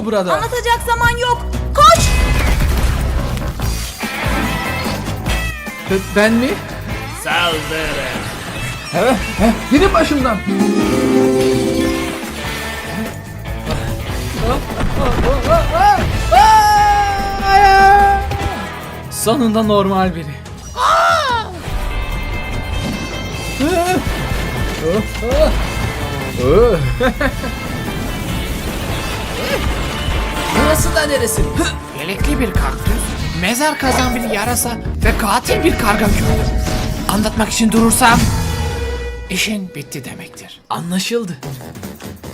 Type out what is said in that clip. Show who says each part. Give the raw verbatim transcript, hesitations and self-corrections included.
Speaker 1: oluyor burada?
Speaker 2: Anlatacak zaman yok. Koş!
Speaker 1: B- Ben mi?
Speaker 3: Saldırın.
Speaker 1: He, he, gidin başımdan. Sonunda normal biri.
Speaker 4: Burası da neresi? Yelekli bir kaktüs, mezar kazan bir yarasa ve katil bir karga gördüm. Anlatmak için durursam işin bitti demektir.
Speaker 1: Anlaşıldı.